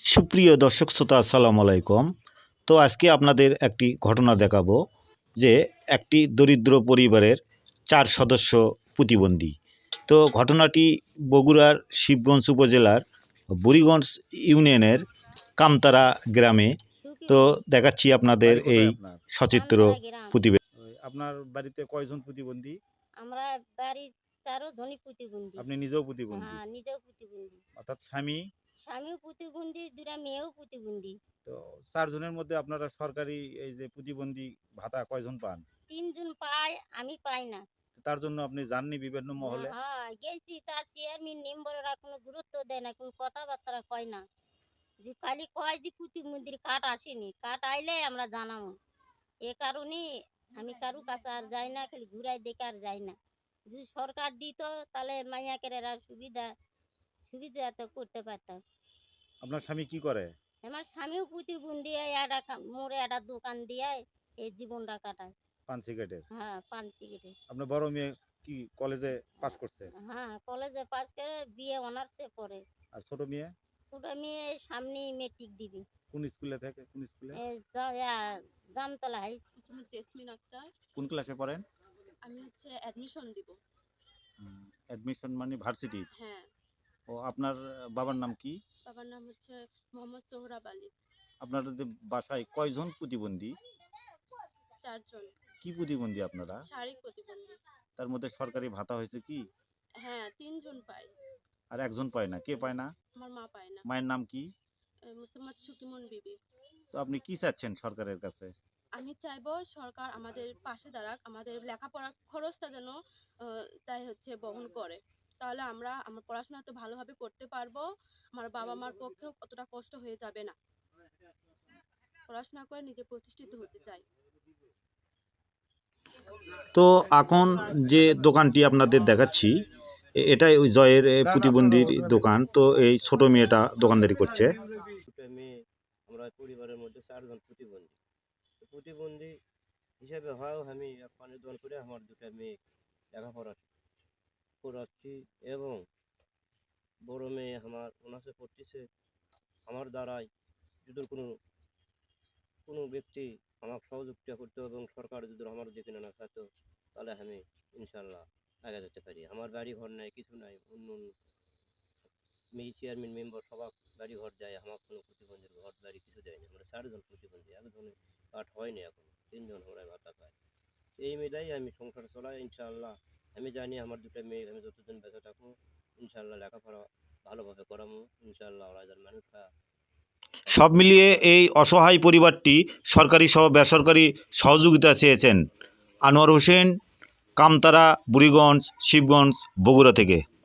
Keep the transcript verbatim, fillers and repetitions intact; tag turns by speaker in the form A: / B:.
A: সুপ্রিয় দর্শক শ্রোতা আসসালামু আলাইকুম। তো আজকে আপনাদের একটি ঘটনা দেখাবো যে একটি দরিদ্র পরিবারের চার সদস্য প্রতিবন্ধী। তো ঘটনাটি বগুড়ার শিবগঞ্জ উপজেলার বুড়িগঞ্জ ইউনিয়নের কামতারা গ্রামে। তো দেখাচ্ছি আপনাদের এই সচিত্র প্রতিবেদন। আপনার বাড়িতে কয়জন প্রতিবন্ধী?
B: আমরা বাড়ির চারো জনই প্রতিবন্ধী।
A: আপনি নিজেও প্রতিবন্ধী?
B: হ্যাঁ, নিজেও প্রতিবন্ধী।
A: অর্থাৎ স্বামী?
B: স্বামীও প্রতিবন্ধী, দুটা মেয়েও প্রতিবন্ধী।
A: তো চারজনের মধ্যে আপনারা সরকারি এই যে প্রতিবন্ধী ভাতা কয়জন পান?
B: তিনজন পায়, আমি পাই না।
A: তার জন্য আপনি যাননি বিভিন্ন মহলে?
B: হ্যাঁ, গেছি, তার চেয়ারম্যান মেম্বাররা কোনো গুরুত্ব দেয় না, কোনো কথাবার্তা কয় না। যে খালি কয় যে প্রতিবন্ধীর কার্ড আসেনি, কার্ড আইলে আমরা জানাবো। এ কারণে আমি কারু কাছে আর যাই না, খালি ঘুরাই দেখে আর যাই না। যদি সরকার দিত তাহলে মাইয়াকের সুবিধা সুবিধা তো করতে পারতাম।
A: আপনার স্বামী কি করে?
B: আমার স্বামীও প্রতিবন্ধী, একটা মোড়ে একটা দোকান দিয়ে এই জীবনটা কাটায়।
A: পান সিগারেটের?
B: হ্যাঁ, পান সিগারেট।
A: আপনার বড় মেয়ে কি কলেজে পাস করছে?
B: হ্যাঁ, কলেজে পাস করে বিএ অনার্সে পড়ে।
A: আর ছোট মেয়ে?
B: ছোট মেয়ে সামনেই মেট্রিক দিবি।
A: কোন স্কুলে থাকে? কোন স্কুলে?
B: জামতলা হাই।
C: জেসমিন আক্তার।
A: কোন ক্লাসে পড়েন?
C: আমি হচ্ছে অ্যাডমিশন দিব।
A: অ্যাডমিশন মানে ভার্সিটি?
C: হ্যাঁ।
A: ও আপনার বাবার নাম কি?
C: বাবার নাম হচ্ছে মোহাম্মদ সোহরাব আলী।
A: আপনাদের বাসায় কয়জন প্রতিবন্ধী?
C: চারজন।
A: কি প্রতিবন্ধী আপনারা?
C: শারীরিক প্রতিবন্ধী।
A: তার মধ্যে সরকারি ভাতা হয়েছে কি?
C: হ্যাঁ, তিনজন পায়।
A: আর একজন পায় না, কে পায় না?
C: আমার মা পায় না।
A: মায়ের নাম কি?
C: মুসাম্মদ সুকিমন বিবি।
A: তো আপনি কি চাচ্ছেন সরকারের কাছে?
C: আমি চাইবো সরকার আমাদের পাশে দাঁড়াক, আমাদের লেখাপড়ার খরচটা যেন তাই হচ্ছে বহন করে। তাহলে আমরা আমার পড়াশোনা তো ভালোভাবে করতে পারবো, আমার বাবা মার পক্ষেও কতটা কষ্ট হয়ে যাবে না। পড়াশোনা করে নিজে প্রতিষ্ঠিত হতে চাই।
A: তো এখন যে দোকানটি আপনাদের দেখাচ্ছি এটাই ওই জয়ের প্রতিবন্ধীর দোকান। তো এই ছোট মেয়েটা দোকানদারি করছে।
D: আমরা পরিবারের মধ্যে চারজন প্রতিবন্ধী। প্রতিবন্ধী হিসেবে হয়ও আমি পানের দোকান করে আমার দুটা মেয়ে লেখাপড়া করাচ্ছি এবং বড় মেয়ে আমার অনার্সে পড়তেছে। আমার দ্বারাই যদি কোনো কোনো ব্যক্তি আমাকে সহযোগিতা করতো এবং সরকার যদি আমার দিকে না থাকতো তাহলে আমি ইনশাল্লাহ আগে যেতে পারি। আমার বাড়ি ঘর নাই, কিছু নাই, অন্য মেয়ে চেয়ারম্যান মেম্বার সবাই বাড়ি ঘর যায়, আমার কোনো প্রতিবন্ধীর ঘর বাড়ি কিছু দেয়নি। আমরা চারজন প্রতিবন্ধী, একজনের কাঠ হয়নি, এখন তিনজন আমরা ভাতা পাই। এই মিলাই আমি সংসার চলাই ইনশাল্লাহ। আমি জানি আমার দুটো মেয়ে আমি যতদিন বেঁচে থাকবো ইনশাল্লাহ লেখাপড়া ভালোভাবে করাবো ইনশাল্লাহ। ওরা যেন মানুষরা
A: সব মিলিয়ে এই অসহায় পরিবারটি সরকারি সহ বেসরকারি সহযোগিতা চেয়েছেন। আনোয়ার হোসেন, কামতারা, বুড়িগঞ্জ, শিবগঞ্জ, বগুড়া থেকে।